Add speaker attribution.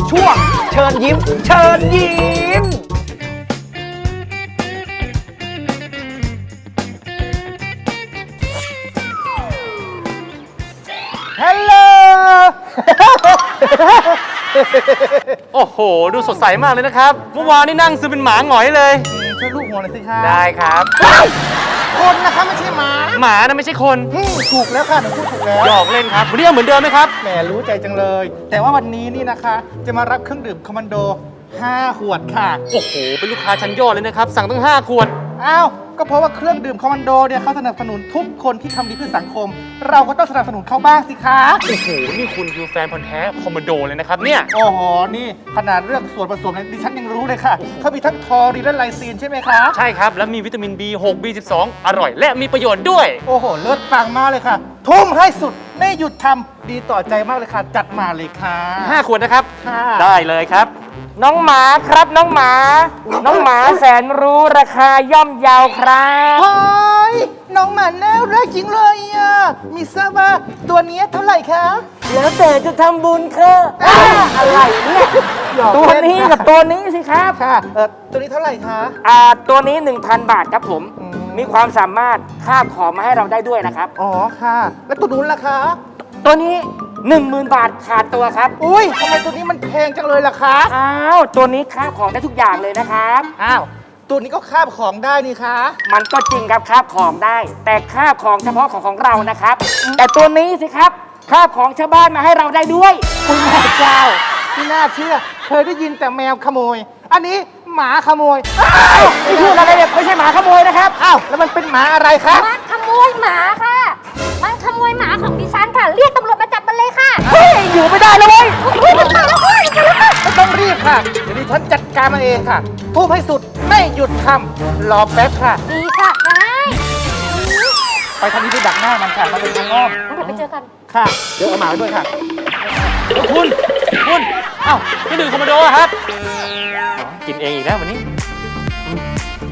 Speaker 1: ช่วงเชิญยิ้ม เชิญยิ้มฮัลโหล
Speaker 2: โอ้โห ดูสดใสมากเลยนะครับเมื่อวานนี่นั่งซึมเป็นหมาหงอยเลย
Speaker 1: ช่วยลูกหัวหน่อยสิคะ
Speaker 2: ได้ครับ
Speaker 1: คนนะคะไม่ใช่หมา
Speaker 2: หมานะไม่ใช่คน
Speaker 1: ถูกแล้วค่ะหนูพูดถูกแล้ว
Speaker 2: หยอกเล่นครับวันนี้เอาเหมือนเดิมไหมครับ
Speaker 1: แหมรู้ใจจังเลย แต่ว่าวันนี้นี่นะคะ จะมารับเครื่องดื่มคอมมานโด 5 ขวดค่ะ
Speaker 2: โอ้โห เป็นลูกค้าชั้นยอดเลยนะครับ สั่งตั้ง5ขวด
Speaker 1: อ้าว ก็เพราะว่าเครื่องดื่มคอมมานโดเนี่ยเขาสนับสนุนทุกคนที่ทำดีเพื่อสังคม เราก็ต้องสนับสนุนเขาบ้างสิคะ
Speaker 2: โอ้โห นี่คุณคือแฟนพันธ์แท้คอมมานโดเลยนะครับเนี่ย
Speaker 1: โอ้โห นี่ขนาดเรื่องส่วนผสมเนี่ยดิฉันยังรู้เลยค่ะ เขามีทั้งทอรีนและไลซีนใช่ไหมคะ
Speaker 2: ใช่ครับ แล้วมีวิตามิน B6 B12 อร่อย และมีประโยชน์ด้วย
Speaker 1: โอ้โห เลิศปังมากเลยค่ะ ทุ่มให้สุด ไม่หยุดทำดีต่อใจมากเลยค่ะ จัดมาเลยค่ะ
Speaker 2: 5 ขวดนะครับ
Speaker 1: ค่ะ
Speaker 2: ได้เลยครับ น้องหมาครับน้องหมา น้องหมาแสนรู้ราคาย่อมเยาวครับ
Speaker 1: เฮ้ยน้องหมาน่ารักจริงเลยอ่ะ มีทราบว่าตัวเนี้ยเท่าไหร่คะ
Speaker 3: แล้วแต่จะทำบุญค่ะอะไรเนี่ย
Speaker 1: หยอก
Speaker 3: ตัว
Speaker 1: เล่น
Speaker 3: นี้
Speaker 1: ค่ะ
Speaker 3: กับตัวนี้สิครับ
Speaker 1: ค่ะ ตัวนี้เท่าไหร่คะ
Speaker 3: ตัวนี้ 1,000 บาทครับผม
Speaker 1: อืม
Speaker 3: มีความสามารถคาบของมาให้เราได้ด้วยนะครับ
Speaker 1: อ๋อค่ะ แล้วตัวนู้นล่ะคะ
Speaker 3: ตัวนี้ 10,000 บาทขาดตัวครับ
Speaker 1: อุ้ยทำไมตัวนี้มันแพงจังเลยล่ะคะ
Speaker 3: อ้าวตัวนี้คาบของได้ทุกอย่างเลยนะครับ
Speaker 1: อ้าว ตัวนี้ก็คาบของได้นี่คะ
Speaker 3: มันก็จริงครับคาบของได้ แต่คาบของเฉพาะของเรานะครับ แต่ตัวนี้สิครับคาบของชาวบ้านมาให้เราได้ด้วย
Speaker 1: คุณแม่เจ้าที่น่าเชื่อ เคยได้ยินแต่แมวขโมย อันนี้หมาขโมย
Speaker 3: ไม่พูดอะไรเนี่ยไม่ใช่หมาขโมยนะครับ
Speaker 1: อ้าว แล้วมันเป็นหมาอะไรคะ
Speaker 4: มันขโมยหมาค่ะ มันขโมยหมาของดิฉันค่ะ เรียกตำรวจมาจับมันเลยค่ะ
Speaker 3: เฮ้ยอยู่ไม่ได้แล้วเว้ย
Speaker 4: อุ๊ยมันมาแล้วค่ะมันมาแล้วค่ะ
Speaker 1: ไม่ต้องรีบค่ะ เดี๋ยวดิฉันจัดการมาเองค่ะ ทุบให้สุด ไม่หยุดทำรอแป๊บค่ะ
Speaker 4: ดีค่ะได้
Speaker 1: ไปทางนี้ไปดักหน้ามันค่ะมันเป็นทางอ้อม
Speaker 4: งั้นเดี๋ยวไปเจอกัน
Speaker 1: ค่ะ เดี๋ยวเอาหมาไปด้วยค่ะ
Speaker 2: คุณ เอ้าพี่ดื่มคอมมานโดอะครับ กินเองอีกแล้ววันนี้